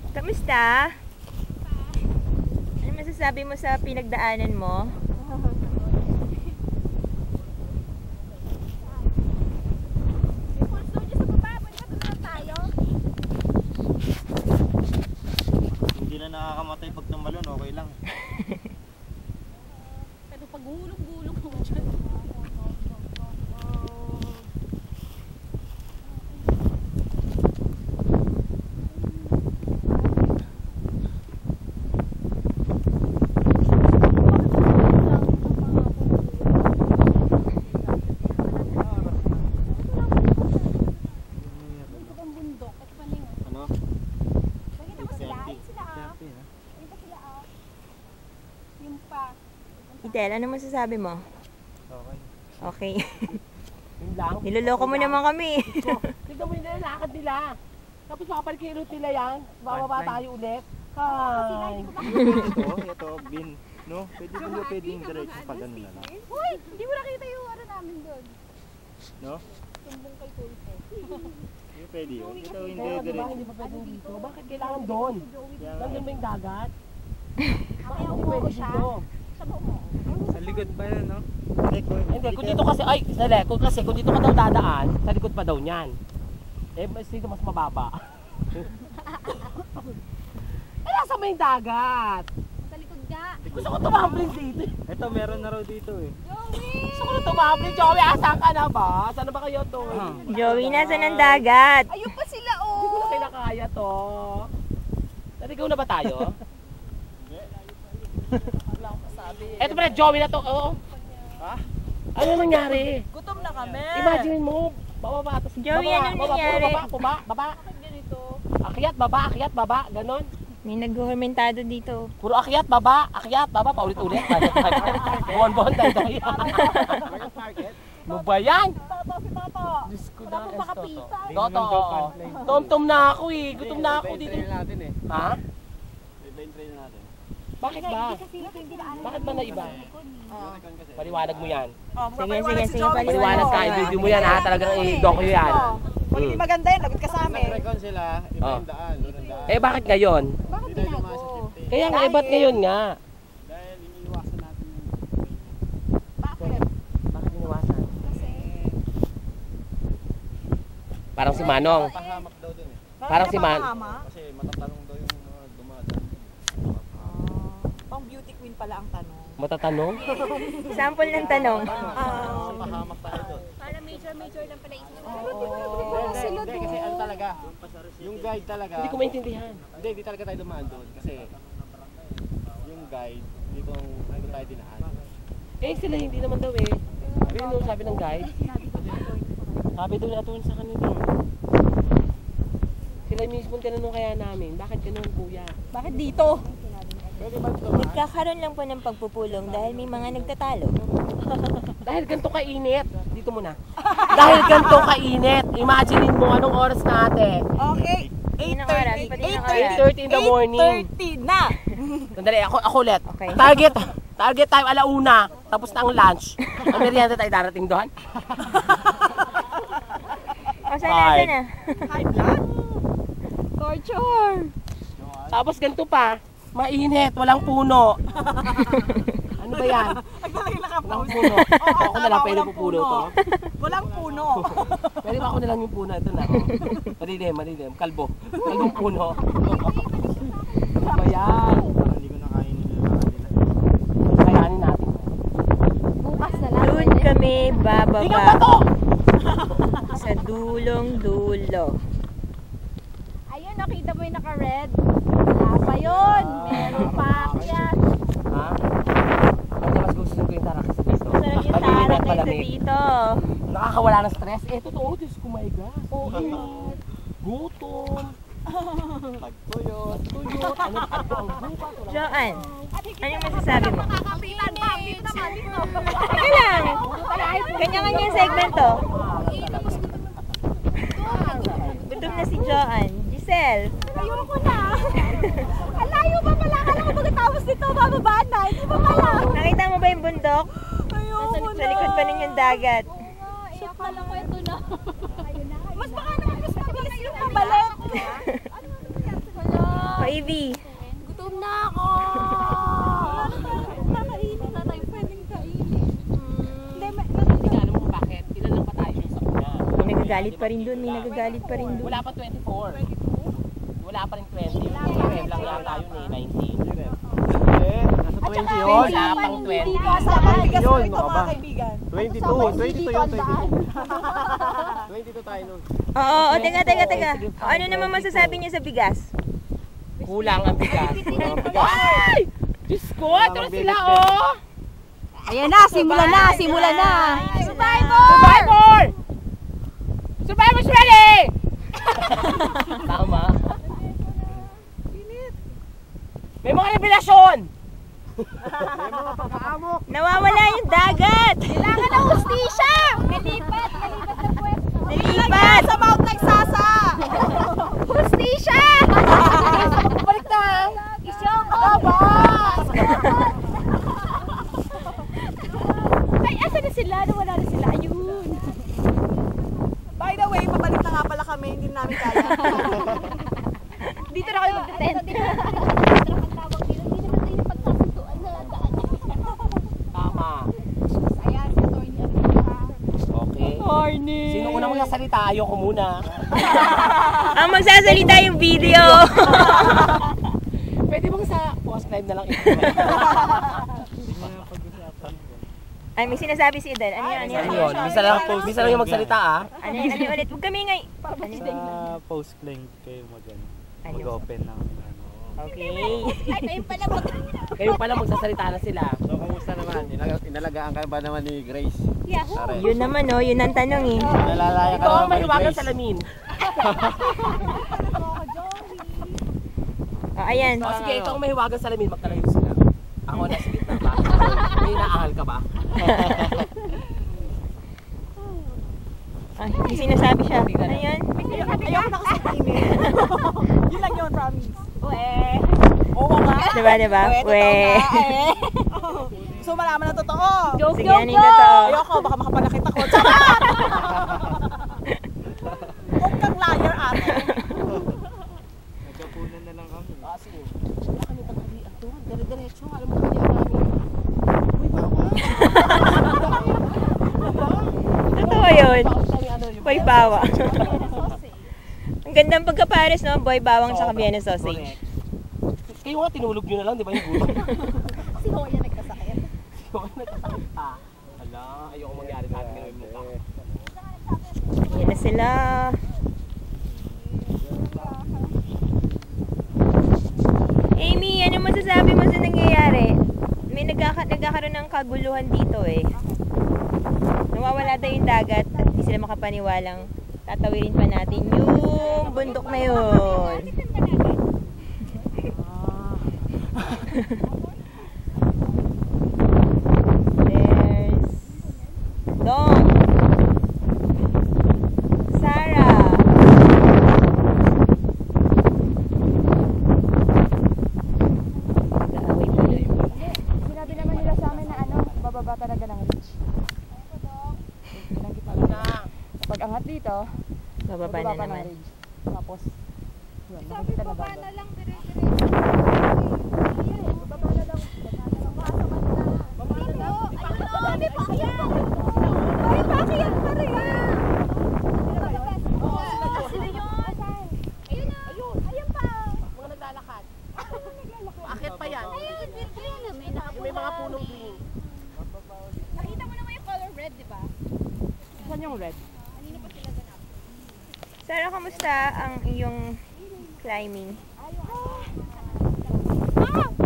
Kamusta? Ano masasabi mo sa pinagdaanan mo? Hindi na nakakamatay pag tumalon, okay lang. Pero pag gulong-gulong mo dyan. Idel, ano masasabi mo? Okay. Okay. Yun lang. Niloloko mo naman kami. Tignan mo yung lakad nila. Tapos makapalik yung route nila yan. Bababa tayo ulit. Hi! Ito, bin. No? Pwedeng diretso pa ganun na lang. Uy! Hindi mo nakita yung ano namin doon. No? Tumbong kay Tulfo. Hindi pwede yun. Ito hindi Kaya diba diretso. hindi pa pwedeng dito? Bakit kailangan doon? Nandun ba yung dagat? Kaya Hindi umuho pwede siya. dito. Sa mo. Sa likod pa yan, no? Hindi, kung dito kasi, ay, kung dito ka daw dadaan, sa likod pa daw niyan. Eh, mas dito mas mababa. Eh, nasa may dagat. Sa likod nga. Gusto ko tumambling dito. Ito, meron na raw dito eh. Gusto ko na tumambling. Joey, asan ka na ba? Saan na ba kayo to? Joey, nasa ng dagat? Ayun pa sila, Hindi ko na oh! kinakaya to. Naligaw na ba tayo? Eto pala, Joey na to. Oo. Ha? Ano nangyari? Gutom na kami. Imagine mo, bababa. Tapos Joey, baba, anong baba, nangyari? puro baba. Ganito. Akyat, baba, ganon. May naghuhumentado dito. Puro akyat, baba, paulit-ulit. Buwan-buwan tayo. Ano ba yan? Toto, si Toto. Diyos ko Wala pong makapita. Toto, tom-tom na ako eh. Gutom na ako dito. natin eh. Ha? Iba yung train natin. Bakit ba? Bakit ba na iba? Paliwanag mo yan. Sige, Paliwanag ka, i-video mo yan ha. Talagang i-docu yan. Pag hindi maganda yun, lagot ka sa amin. Nag-recon sila, iba yung daan. Eh bakit ngayon? Bakit binago? Kaya nga, ba't ngayon nga? Dahil iniiwasan natin yung Bakit? Bakit iniwasan? Kasi... Parang si Manong. pahamak daw dun eh. Parang si Man. Kasi matatanong daw yung mga dumadaan. Pang beauty queen pala ang tanong. Matatanong? Sample ng tanong. Pahamak tayo doon. Para major lang pala isip. Hindi, kasi ano talaga, yung guide talaga. Hindi ko maintindihan. Hindi talaga tayo dumaan doon. Kasi yung guide, dito tayo dinaan. Eh sila hindi naman daw eh. Sabi ng guide. Sabi doon atun sa kanila. Sila mismo tinanong kaya namin, bakit ganun kuya? Bakit dito? Pwede ba ito? Nagkakaroon lang po ng pagpupulong dahil may mga nagtatalo. Dahil ganito kainit. Dito muna. Dahil ganito kainit. Imaginein mo anong oras natin. Okay. Anong oras? Pati ng oras. 8:30 in the morning. 8:30 na! Sandali, ako ulit. Okay. Target time alauna. Tapos na ang lunch. Ang merienda tayo darating doon. O, sana na. Hype lang? Torture! Tapos ganito pa. Mainit, walang puno. Ano ba yan? Naglalagay lang ang Walang pause. puno. Ako na lang pwede walang pupuno puno. to. Walang puno. Pwede ba ako na lang yung puno? Ito na. Malilim. Kalbo. Kalbong puno. Ano ba yan? Hindi ko nakainin nila. Kayanin natin. Bukas na lang. Doon kami Tingnan ba bababa to? sa dulong-dulo. Ayun, nakita mo yung naka-red. Wala pa yun. Meron pa akyat. Ha? Ano mas gusto ko yung tarakis dito? Sarap yung Malilim tarak at na malamig. dito. Nakakawala ng stress. Eh, totoo. Diyos ko, my God. Gutom. Pagtuyot. Tuyot. Ano ang bukas? Joan, anong masasabi mo? Nakakapitan pa. Dito naman, dito. Teka lang. Kanya-kanya yung segmento. Gutom na si Joan. Giselle. Ayoko na. Ang layo ba pala? Kala ko pagkatapos nito, bababa na. Hindi ba pala? Nakita mo ba yung bundok? Ayoko na. Sa likod pa nun yung dagat. Iyak ka lang ko ito na. Mas baka naman mas mabilis yung pabalik. baby. Gutom na ako! Kakainin na tayo, pwedeng kainin. Hindi ka alam mo kung bakit. Ilan lang pa tayo sa una. May nagagalit pa rin dun, may nagagalit pa rin dun. Wala pa 24. Wala pa rin 20. Yung lang yata yun eh, 19. Nasa 20 yun. Wala pang 20. Yun, ano ba? 22 yun, 22 tayo nun. Oo, teka. O, ano naman masasabi niyo sa bigas? Kulang ang bigas. Ay! Diyos ko, ito na sila oh! Ayan na, simula na! Survivor! Survivor's ready! Tama. May mga revelasyon! Nawawala yung dagat! Kailangan ng hustisya! Nalipat na pwesto. Nalipat! Sa Mount Nagsasa! Hustisya! Balik na! Isyoko! Ay, asa na sila? Nawala na sila. Ayun. By the way, pabalik na nga pala kami, hindi namin kaya. Dito na kayo mag-tent. Tama. Ayan, si Tony. Okay. Sino unang magsasalita? Ayoko muna. Ang magsasalita yung video. Pwede bang sa post live na lang ito? Ay, may sinasabi si Eden. Ano yun? Ano yun? Bisa lang yung magsalita ah. Ano ulit? Huwag kami ngay. Sa post-playing kayo mag-open ng ano. Okay. Ay, kayo pala Kayo pala magsasalita na sila. So, kamusta naman? Inalagaan ka ba naman ni Grace? Yahoo! Yun naman oh, yun ang tanong eh. Nalalaya ka Ikaw ang naman kay mahiwagang Grace. salamin. Oh, ayan. O sige, ikaw ang mahiwagang salamin. Magkalayo sila. Ako nasa gitna ba? May inaahal ka ba? Ay, may sinasabi siya. Ano yun? Ayoko na kasi email. Yun lang yun, promise. Oo nga. Diba? We. So malaman na totoo. Sige, ano yung totoo? Ayoko, baka makapanakit ako. Charot! Huwag kang liar, ate. Nagkapunan na lang kami. Ah, sige. Wala kami tagalian doon. Dire-diretso. Alam mo kami yan namin. Totoo yun. Ano yung Boy bawa. Ang gandang pagkapares, no? Boy bawang sa kabiyan ng sausage. correct. Kayo nga tinulog nyo na lang, di ba yung gulo? Si Hoya nagkasakit. Yung nagkasakit pa. Hala, ayoko mangyari sa atin ngayon mukha. Yan na sila. Amy, ano masasabi mo sa nangyayari? May nagkakaroon ng kaguluhan dito eh. Nawawala daw yung dagat at di sila makapaniwalang tatawirin pa natin yung bundok na yun. There's Dong, Sarah, nag-aaway pa na yun. Sinabi naman nila sa amin na bababa talaga ng ridge. Pag angat dito, Bababa na naman. Tapos, yun, makikita na daw. lang, Mga naglalakad. Akit pa yan. May mga punong green. Nakita mo naman yung color red, di ba? Saan yung red? Sarah, kamusta ang iyong climbing? Ah!